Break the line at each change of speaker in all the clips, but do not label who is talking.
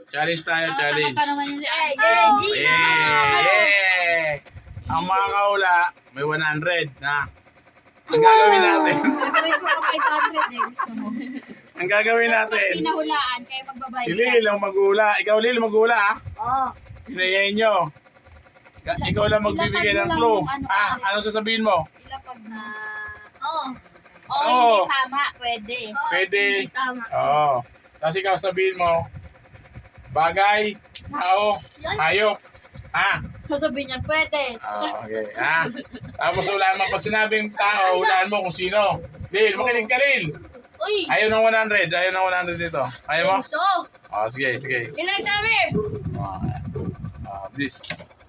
Challenge tayo, challenge.
Pa naman yun si
Yeah! Ang mga kaula, may 100 na. Ang gagawin natin,
Gagawin ko pa 500 eh. Gusto mo.
ang gagawin natin,
Pinahulaan, kaya magbabayad
si Lil ang mag-uula. Ikaw Lil, mag-uula ah.
Oo.
Pinayayin nyo. Ikaw lang magbibigay ng clue. Anong sasabihin mo?
Ilapag na.
Oo.
Hindi tama. Pwede.
Pwede.
Hindi tama.
Oo. Tapos ikaw sabihin mo, bagay, tao, hayop.
Sasabihin niya, pwede.
Okay. Tapos ulaan mo. Pag sinabing tao, ulaan mo kung sino. Lil, makinig ka Lil.
Uy!
Ayaw ng 100. Ayaw ng 100 dito. Ayaw mo?
Gusto!
Sige, sige.
Sino nagsabi?
Please.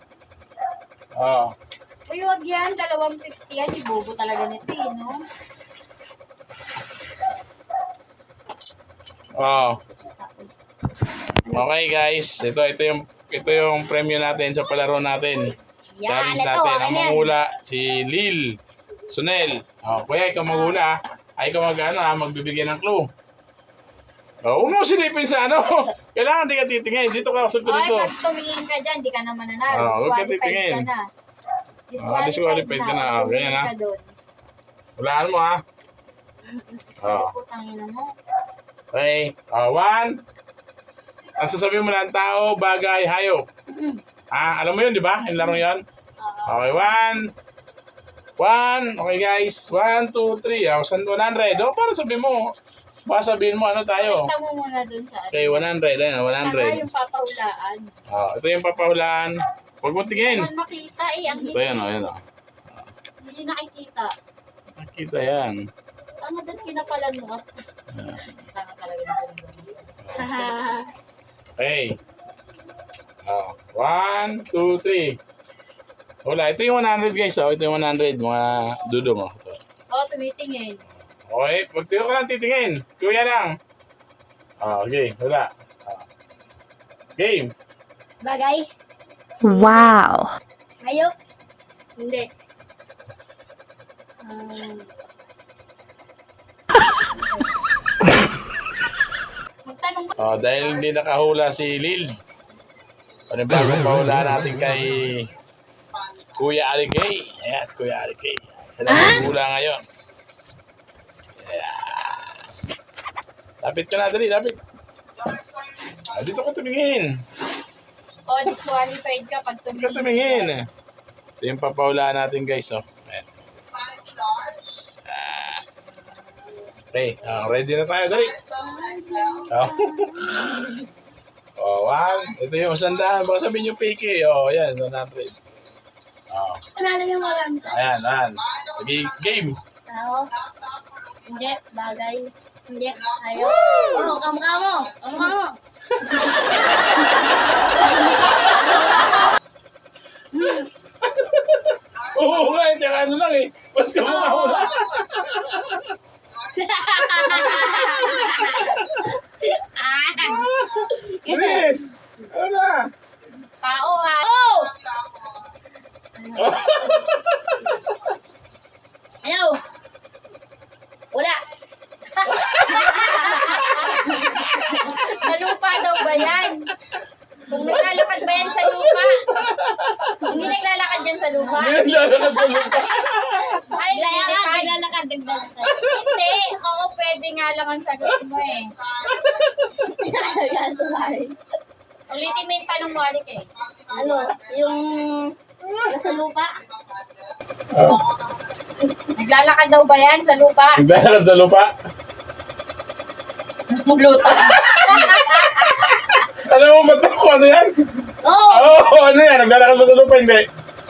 Uy, wag yan. 250 yan. Ibobo talaga nito eh, no?
Okay guys, ito yung premyo natin sa palaro natin. Challenge natin. Ang mangula si Lil Sunel. Kuya, ikaw magula. Ay ikaw magbibigay ng clue. Huwag mo silipin sa Kailangan di ka titingin. Dito ka sa dito.
Pag tumingin ka dyan, di ka naman nanalo.
Huwag ka
Disqualified
titingin.
ka na.
Disqualified ka na. Ganyan
Tumingin ka doon.
Hulaan mo
Putang ina mo.
Okay. 1. Ang sasabihin mo lang tao, bagay, hayop. Alam mo yun, di ba? Yung laro yun? Okay, 1. Okay guys. 1, 2, 3. 100. Para sabihin mo. Baka sabihin mo tayo.
Pakita mo muna dun sa
Okay, 100. Ayan,
Saka
100.
yung papahulaan.
Ito yung papahulaan. Huwag mo tingin.
Hindi makita eh. Ang
Ito yan, ayan.
Hindi nakikita.
Nakita yan.
Tama doon kinapalan mo kasi. Tama talaga nito.
Okay. 1, 2, 3. Wala. Ito yung 100 guys. Ito yung 100. Mga dudo mo.
Tumitingin.
Okay. Pag tiyo ka lang titingin. Kuya lang. Okay. Wala. Game.
Bagay.
Wow.
Hayop. Hindi. Magtanong ba?
Dahil hindi nakahula si Lil. Panibagong pahula natin kay Kuya Arikay. Ayan, Kuya Arikay. Siya lang maghula ngayon. Lapit ka na, dali, lapit. Dito ka tumingin.
Disqualified ka pag
Dito ka tumingin. Ito yung papahulaan natin guys. Ayan. Okay, ready na tayo, dali. 1. Ito yung 100. Baka sabihin yung piki. Ayan, 100.
Panalo yung walang to.
Ayan. Game.
Tao. Hindi. Bagay. Hindi. Hayop. Kamukha mo. Kamukha mo.
Oo nga, ano lang eh. Ba't ka mukha? Chris! Ano na?
Tao ha. Ayaw. Wala. Sa lupa daw ba yan? Kung naglalakad ba yan sa lupa? Hindi naglalakad yan sa lupa?
Ngayon lalakad sa lupa.
Ay, naglalakad. Hindi. Oo, pwede nga lang ang sagot mo eh. Ulitin mo yung tanong mo, Alik eh. Yung nasa lupa? Naglalakad daw ba yan sa lupa?
Naglalakad sa lupa?
Muluto.
Alam mo, ba't ako ano yan? Oo, ano yan? Naglalakad ba sa lupa? Hindi.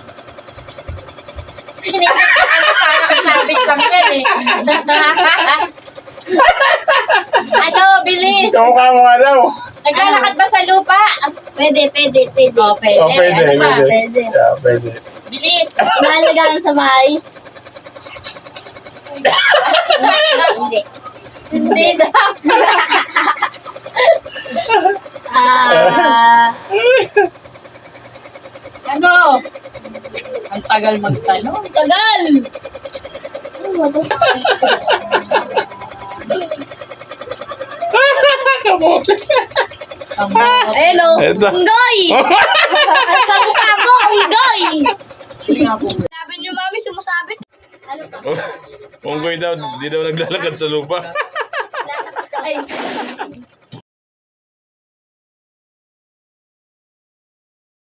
Parang sabit lang yan eh. Bilis.
Kamukha mo nga daw.
Naglalakad ba sa lupa? Pwede. Pwede.
Pwede.
Ano ba? Pwede.
Yeah, pwede.
Bilis. Nalagalan sa bahay? Hindi. Hindi daw. Ano? Ang tagal magtanong. Tagal!
Kamote.
Hello.
Ito.
Unggoy! Ang kamukha mo, unggoy! Sabi niyo, mami, sumasabit. Ano to?
Unggoy daw, di daw naglalakad sa lupa.
Ay.